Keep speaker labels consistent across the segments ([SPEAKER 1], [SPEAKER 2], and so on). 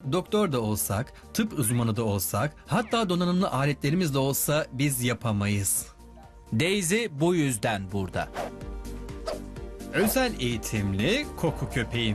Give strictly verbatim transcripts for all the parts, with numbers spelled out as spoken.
[SPEAKER 1] doktor da olsak, tıp uzmanı da olsak, hatta donanımlı aletlerimiz de olsa biz yapamayız.
[SPEAKER 2] Daisy bu yüzden burada.
[SPEAKER 1] Özel eğitimli koku köpeğim.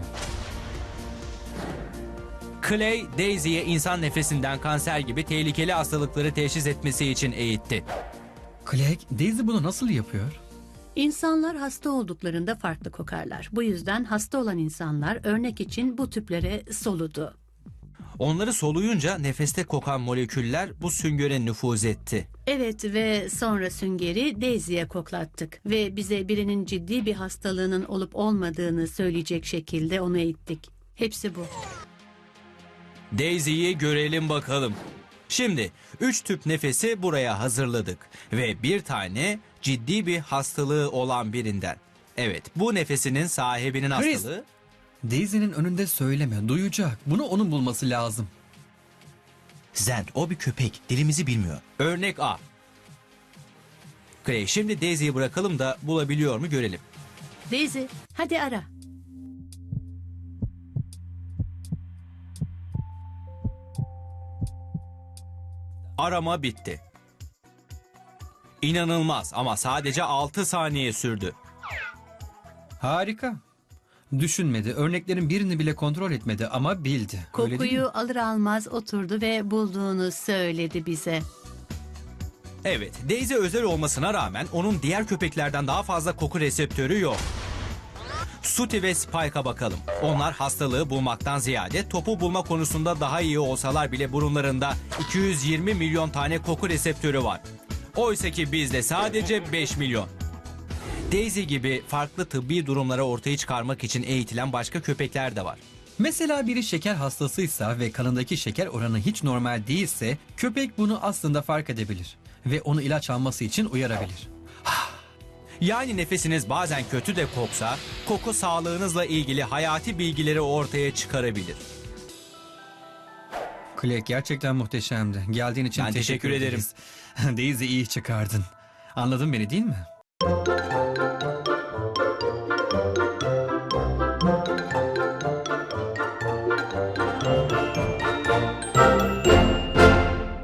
[SPEAKER 2] Clay, Daisy'ye insan nefesinden kanser gibi tehlikeli hastalıkları teşhis etmesi için eğitti.
[SPEAKER 1] Clegg, Daisy bunu nasıl yapıyor?
[SPEAKER 3] İnsanlar hasta olduklarında farklı kokarlar. Bu yüzden hasta olan insanlar örnek için bu tüplere soludu.
[SPEAKER 2] Onları soluyunca nefeste kokan moleküller bu süngöre nüfuz etti.
[SPEAKER 3] Evet ve sonra süngeri Daisy'ye koklattık ve bize birinin ciddi bir hastalığının olup olmadığını söyleyecek şekilde onu eğittik. Hepsi bu.
[SPEAKER 2] Daisy'yi görelim bakalım. Şimdi üç tüp nefesi buraya hazırladık ve bir tane ciddi bir hastalığı olan birinden. Evet, bu nefesinin sahibinin
[SPEAKER 1] Chris!
[SPEAKER 2] hastalığı.
[SPEAKER 1] Daisy'nin önünde söyleme, duyacak. Bunu onun bulması lazım.
[SPEAKER 4] Zend, o bir köpek. Dilimizi bilmiyor.
[SPEAKER 2] Örnek A. Clay, şimdi Daisy'yi bırakalım da bulabiliyor mu görelim.
[SPEAKER 3] Daisy, hadi ara.
[SPEAKER 2] Arama bitti. İnanılmaz ama sadece altı saniye sürdü.
[SPEAKER 1] Harika. Düşünmedi, örneklerin birini bile kontrol etmedi ama bildi. Öyle değil mi?
[SPEAKER 3] Kokuyu alır almaz oturdu ve bulduğunu söyledi bize.
[SPEAKER 2] Evet, Daisy özel olmasına rağmen onun diğer köpeklerden daha fazla koku reseptörü yok. Sooty ve Spike'a bakalım. Onlar hastalığı bulmaktan ziyade topu bulma konusunda daha iyi olsalar bile burunlarında iki yüz yirmi milyon tane koku reseptörü var. Oysa ki bizde sadece beş milyon. Daisy gibi farklı tıbbi durumlara ortaya çıkarmak için eğitilen başka köpekler de var.
[SPEAKER 1] Mesela biri şeker hastasıysa ve kanındaki şeker oranı hiç normal değilse köpek bunu aslında fark edebilir ve onu ilaç alması için uyarabilir.
[SPEAKER 2] Yani nefesiniz bazen kötü de koksa, koku sağlığınızla ilgili hayati bilgileri ortaya çıkarabilir.
[SPEAKER 1] Clegg gerçekten muhteşemdi. Geldiğin için
[SPEAKER 2] Ben teşekkür
[SPEAKER 1] teşekkür ederiz. Daisy iyi çıkardın. Anladın beni değil mi?